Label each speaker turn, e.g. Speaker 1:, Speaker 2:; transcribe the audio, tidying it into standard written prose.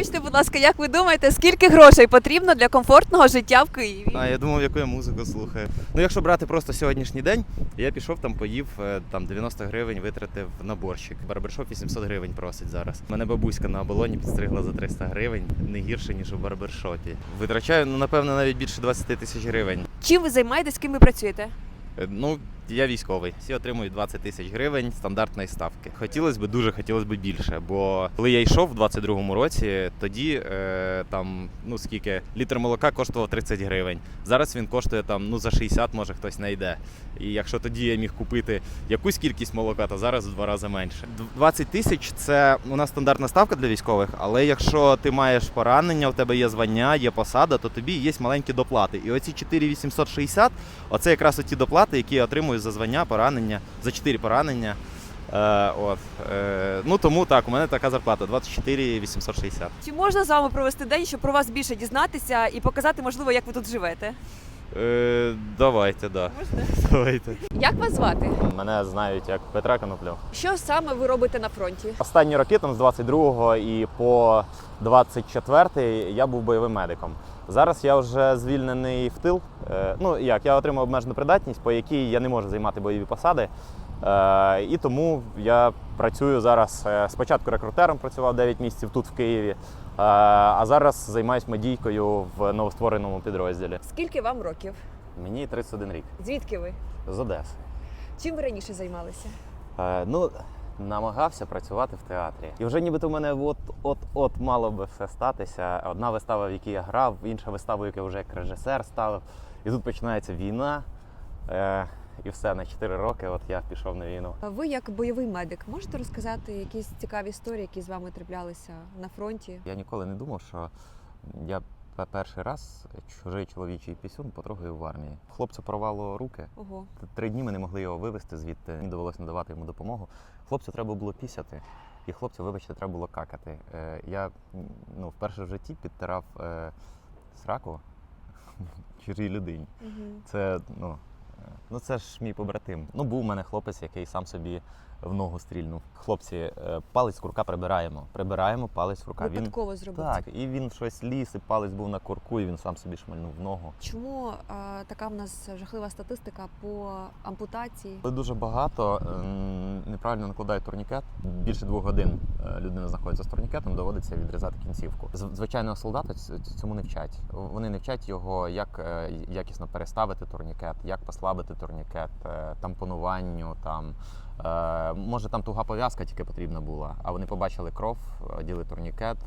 Speaker 1: Вибачте, будь ласка, як ви думаєте, скільки грошей потрібно для комфортного життя в Києві?
Speaker 2: А я думав, яку я музику слухаю. Ну, якщо брати просто сьогоднішній день, я пішов там, поїв, там 90 гривень витратив на борщик. Барбершоп 800 гривень просить зараз. Мене бабуська на оболоні підстригла за 300 гривень, не гірше, ніж у барбершопі. Витрачаю, ну, напевно, навіть більше 20 тисяч гривень.
Speaker 1: Чим ви займаєтесь, ким ви працюєте?
Speaker 2: Ну, я військовий. Всі отримують 20 тисяч гривень стандартної ставки. Дуже хотілося б більше, бо коли я йшов в 22-му році, тоді там, ну скільки, літр молока коштував 30 гривень. Зараз він коштує там, ну за 60, може хтось не йде. І якщо тоді я міг купити якусь кількість молока, то зараз в 2 рази менше. 20 тисяч – це у нас стандартна ставка для військових, але якщо ти маєш поранення, у тебе є звання, є посада, то тобі є маленькі доплати. І оці 4860 – оце якраз оті доплати, які я отримую за звання, поранення, за 4 поранення. Ну тому так, у мене така зарплата 24 860.
Speaker 1: Чи можна з вами провести день, щоб про вас більше дізнатися і показати, можливо, як ви тут живете?
Speaker 2: Давайте, да.
Speaker 1: Можна?
Speaker 2: Давайте.
Speaker 1: Як вас звати?
Speaker 2: Мене знають як Петра Коноплю.
Speaker 1: Що саме ви робите на фронті?
Speaker 2: Останні роки, там з 22-го і по 24-й я був бойовим медиком. Зараз я вже звільнений в тил. Ну як, я отримав обмежену придатність, по якій я не можу займати бойові посади. І тому я працюю зараз, спочатку рекрутером працював 9 місяців тут в Києві, а зараз займаюся медійкою в новоствореному підрозділі.
Speaker 1: Скільки вам років?
Speaker 2: Мені 31 рік.
Speaker 1: Звідки ви?
Speaker 2: З Одеси.
Speaker 1: Чим ви раніше займалися?
Speaker 2: Ну, намагався працювати в театрі. І вже нібито в мене от мало би все статися. Одна вистава, в якій я грав, інша вистава, в якій вже як режисер ставив. І тут починається війна. І все, на 4 роки от я пішов на війну.
Speaker 1: Ви як бойовий медик можете розказати якісь цікаві історії, які з вами траплялися на фронті?
Speaker 2: Я ніколи не думав, що я перший раз чужий чоловічий пісюн потрогаю в армії. Хлопцю порвало руки.
Speaker 1: Ого.
Speaker 2: 3 дні ми не могли його вивезти звідти. Мені довелося надавати йому допомогу. Хлопцю треба було пісяти. І хлопцю, вибачте, треба було какати. Я вперше в житті підтирав сраку чужій людині. Це, це ж мій побратим. Був у мене хлопець, який сам собі в ногу стрільнув. Хлопці, палець з курка прибираємо. Прибираємо палець з курка.
Speaker 1: Випадково зробити.
Speaker 2: Так, і він щось ліз, і палець був на курку, і він сам собі шмальнув в ногу.
Speaker 1: Чому така в нас жахлива статистика по ампутації?
Speaker 2: Дуже багато неправильно накладають турнікет. Більше 2 годин людина знаходиться з турнікетом, доводиться відрізати кінцівку. Звичайного солдата цьому не вчать. Вони не вчать його, як якісно переставити турнікет, як послабити турнікет, тампонуванню, може там туга пов'язка тільки потрібна була, а вони побачили кров, оділи турнікет.